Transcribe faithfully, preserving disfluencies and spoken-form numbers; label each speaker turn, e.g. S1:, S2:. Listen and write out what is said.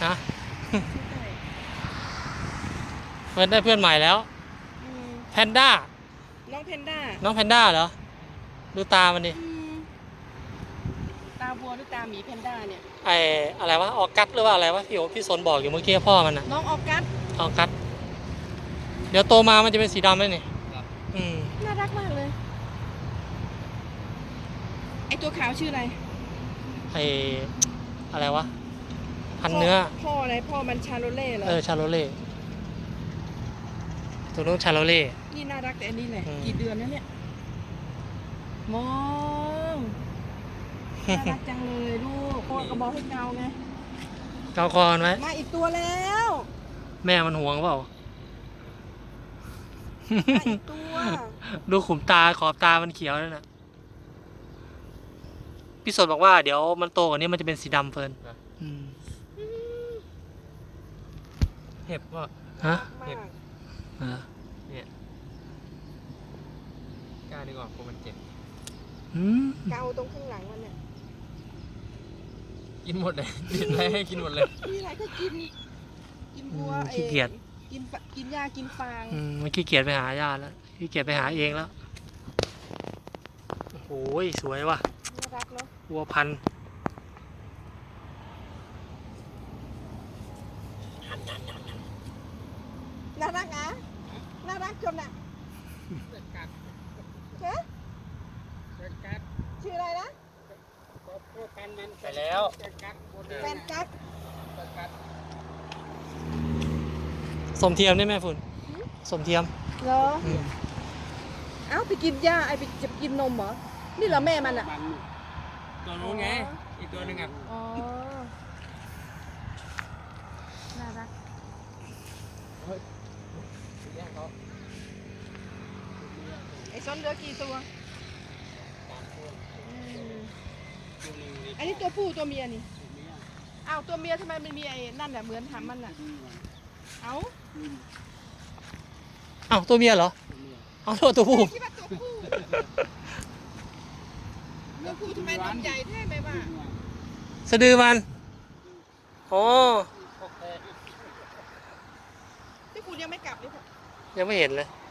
S1: ฮะเฟิร์นได้เพื่อนใหม่แล้วแพนด้า
S2: น้องแพนด้า
S1: น้องแพนด้าเหรอดูตามันดิ
S2: ตาบัวหรือตาหมีแพนด้าเนี่ย
S1: ไออะไรวะออกัสหรือว่าอะไรวะพี่โอพี่สนบอกอยู่เมื่อกี้พ่อมันอะ
S2: น้องออกัส
S1: ออกัสเดี๋ยวโตมามันจะเป็นสีดำเลยนี่อืม
S2: น่ารักมากเลยไอตัวขาวชื่ออะไร
S1: ไออะไรวะพันเนื้อ
S2: พ่ออะไรพ่อมันชาโลเล่เหรอ
S1: เออชาโลเล่ตัวนู้นชาโลเล่
S2: นี่น่ารักแต่อันนี้แหละกี่เดือนแล้วเนี่ยมองน่ารักจังเลยลูกพ่อก็บอกให้เกาไง
S1: เกาคอนไว้
S2: มาอีกตัวแล้ว
S1: แม่มันห่วงเปล่า
S2: มาอีกตัว
S1: ดูขุมตาขอบตามันเขียวแล้วนะพี่สดบอกว่าเดี๋ยวมันโตกว่านี้มันจะเป็นสีดำเฟิร์น
S3: เห็บว่า
S1: ฮะ
S2: เห็บ
S3: เนี่ยกล้าดีกว่าเพราะมันเจ็บ
S2: เกาตรงข้างหลังมันเนี่ย
S3: กินหมดเลยกินอะไรให้กินหมดเลย
S2: มีอะไรก็กินกินบัว
S1: ขี้เกียจ
S2: กินกินหญ้ากินฟาง
S1: มันขี้เกียจไปหาหญ้าแล้วขี้เกียจไปหาเองแล้วโอ้ยสวยว่ะ
S2: น่ารักเนาะ
S1: วัวพันธุ์
S2: น่ารักอ่ะน่ารักจนอ่ะเฮ้ชื่ออะไรนะ
S1: ไปแล้ว
S2: แฟนกัด
S1: สมเทียมได้ไหมฝุ่นสมเทียม
S2: เหรอเอ้าไปกินหญ้าไอไปจะกินนมเหรอนี่เหรอแม่มันอ่ะ
S3: ตัวนู้นไงอีกตัวหนึ่งอ่ะ
S2: อ๋อน่ารักไอ้ซ้อนเหลือกี่ตัวอันนี้ตัวผู้ตัวเมียนี่อ้าวตัวเมียทำไมมันมีไอ้นั่นแหละเหมือนทำมันน่ะเอ้า
S1: เอ้าตัวเมียเหรอเอาตัวตัวผู้
S2: คิดว่าตัวผู้ตัวผู้ทำไมนมใหญ่แท้ไหมว่า
S1: สะดือมันโอ้
S2: ที่คุณยังไม่กลับเลย
S1: ยังไม่เห็นเลย